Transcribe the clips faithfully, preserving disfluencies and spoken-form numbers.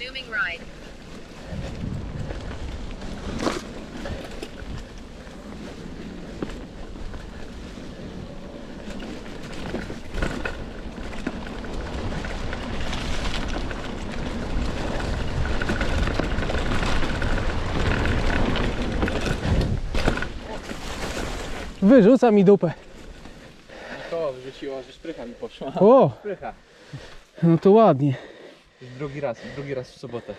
Resuming ride. Wyrzuca mi dupę. To wrzuciło, że szprycha mi poszła. O, Szprycha. no to ładnie. Drugi raz, drugi raz w sobotę.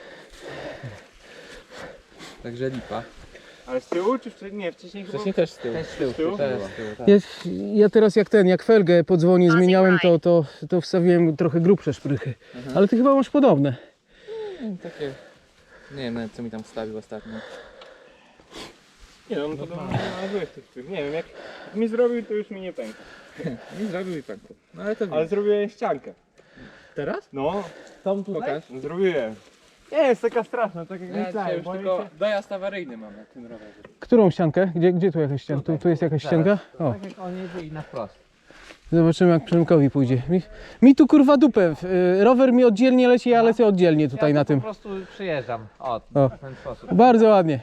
Także lipa. Ale z tyłu czy wcześniej? Nie, wcześniej chyba... Wcześniej też z tyłu. Też z tyłu? Też z tyłu, tak. Ja, ja teraz jak ten, jak felgę po dzwonie zmieniałem, to, to, to wstawiłem trochę grubsze szprychy. Mhm. Ale ty chyba masz podobne. Mm, Takie... Nie wiem nawet co mi tam wstawił ostatnio. Nie no, no to do mnie złych tych szprych. Nie wiem, jak, jak mi zrobił, to już mi nie pęka. Nie zrobił i pękł. No ale to Ale zrobiłem ściankę. teraz? No, Tam pokaż. zrobiłem. Nie jest taka straszna, tak jak Ja dzisiaj myślałem. już boję tylko się- dojazd awaryjny mam na tym rowerze. Którą ściankę? Gdzie, gdzie tu jakaś ścianka? Tu, tu jest jakaś ścianka? O, Tak jak on jedzie i na wprost. zobaczymy jak Przemkowi pójdzie. Mi, mi tu kurwa dupę. y, Rower mi oddzielnie leci, ja lecę oddzielnie tutaj na tym. po prostu przyjeżdżam. O, O. w ten sposób. Bardzo ładnie.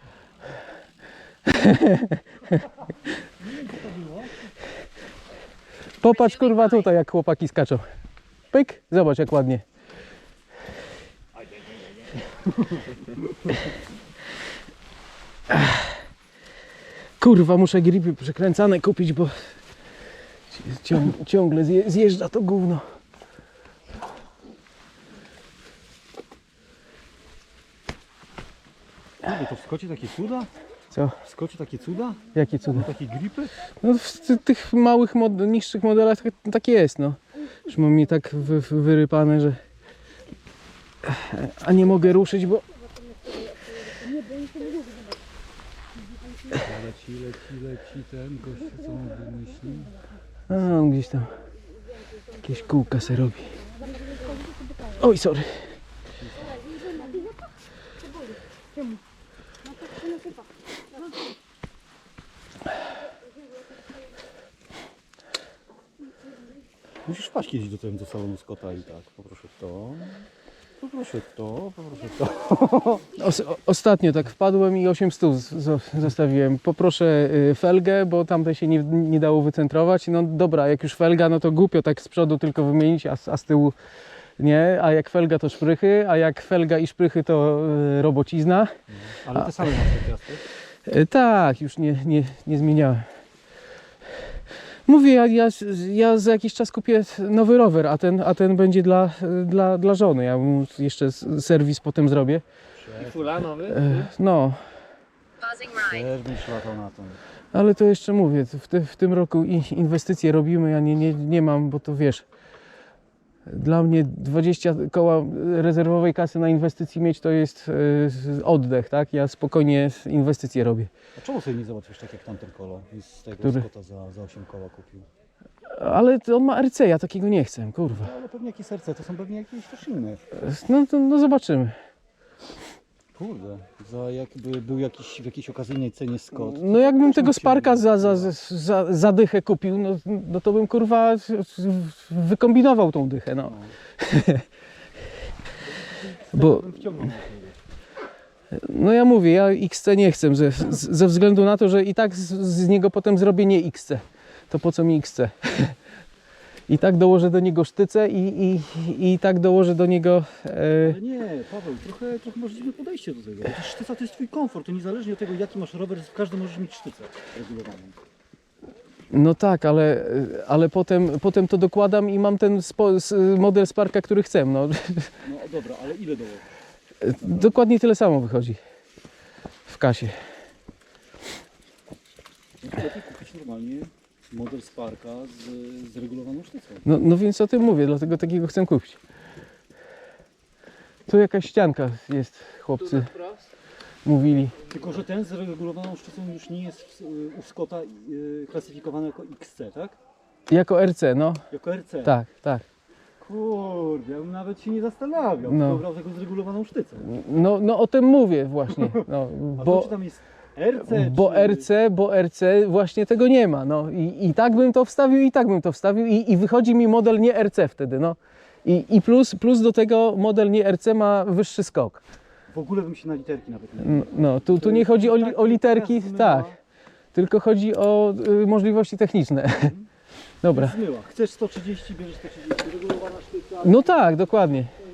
Popatrz kurwa tutaj jak chłopaki skaczą. Pyk, zobacz jak ładnie. Kurwa, muszę gripy przekręcane kupić, bo cią, ciągle zje, zjeżdża to gówno. Ale to w Skocie takie cuda? Co? W Skocie takie cuda? Jakie cuda? Takie gripy? No w ty- tych małych, mod, niższych modelach tak, tak jest, no. Już mam mi tak wy, wy- wyrypane, że... A nie mogę ruszyć, bo... Leci, leci, leci ten gość, co on wymyślił. A, on gdzieś tam jakieś kółka se robi. Oj, sorry. Musisz wpaść kiedyś do, tego, do salonu Scotta i tak, poproszę to, poproszę to, poproszę to. Os, o, ostatnio tak wpadłem i osiem stów z- z- zostawiłem. Poproszę y, felgę, bo tamte się nie, nie dało wycentrować. No dobra, jak już felga, no to głupio tak z przodu tylko wymienić, a, z- a z tyłu nie. A jak felga to szprychy, a jak felga i szprychy to y, robocizna. Ale te same masz te piasty. Y, tak, już nie, nie, nie zmieniałem. Mówię, ja, ja, ja za jakiś czas kupię nowy rower, a ten, a ten będzie dla, dla, dla żony. Ja mu jeszcze s- serwis potem zrobię. I fula nowy? Y, no, Pausing ride. Też będziesz latał na tym. ale to jeszcze mówię, w, ty, w tym roku i- inwestycje robimy, ja nie, nie, nie mam, bo to wiesz, dla mnie dwadzieścia koła rezerwowej kasy na inwestycji mieć to jest y, oddech, tak? Ja spokojnie inwestycje robię. A czemu sobie nie załatwisz tak jak tamten kolo i z tego Który? Scotta za, za osiem koła kupił? Ale to on ma R C, ja takiego nie chcę, kurwa. No, ale pewnie jakieś serce, to są pewnie jakieś też inne. No, to, no zobaczymy. Kurde, za jakby był jakiś w jakiejś okazyjnej cenie Scott. No jakbym też tego bym cię- Sparka za, za, za, za dychę kupił, no, no to bym kurwa wykombinował tą dychę, no. Bo, Bym wciągnął na siebie. no ja mówię, ja X C nie chcę, ze, z- ze względu na to, że i tak z, z niego potem zrobię nie X C. To po co mi X C? I tak dołożę do niego sztycę i, i, i tak dołożę do niego... E, Ale nie, Paweł, trochę, trochę masz dziwne podejście do tego. Przecież sztyca to jest twój komfort, to niezależnie od tego jaki masz rower, w każdym możesz mieć sztycę regulowaną. no tak, ale, ale potem, potem to dokładam i mam ten spo, s- model Sparka, który chcę. No. No dobra, ale ile dołożysz? Dokładnie tyle samo wychodzi w kasie. No to lepiej kupić normalnie model Sparka z, z regulowaną sztycą. No, no więc o tym mówię, dlatego takiego chcę kupić. Tu jakaś ścianka jest, chłopcy mówili. Tylko, że ten z regulowaną sztycą już nie jest w, u Scotta y, klasyfikowany jako X C, tak? Jako R C, no. Jako R C. Tak, tak. Kurde, ja bym nawet się nie zastanawiał, No. no. brał tego z regulowaną sztycą. No, no o tym mówię właśnie. No, A to bo, czy tam jest R C? bo czy... R C, bo R C właśnie tego nie ma. No. I, I tak bym to wstawił, i tak bym to wstawił. I, i wychodzi mi model nie R C wtedy, no. I, i plus, plus do tego model nie R C ma wyższy skok. W ogóle bym się na literki nawet nie No, no tu, tu nie chodzi o, li, o literki, tak, tylko chodzi o y, możliwości techniczne. Dobra. Zmyła. Chcesz sto trzydzieści, bierzesz sto trzydzieści. Regulowana sztyca. No tak, dokładnie.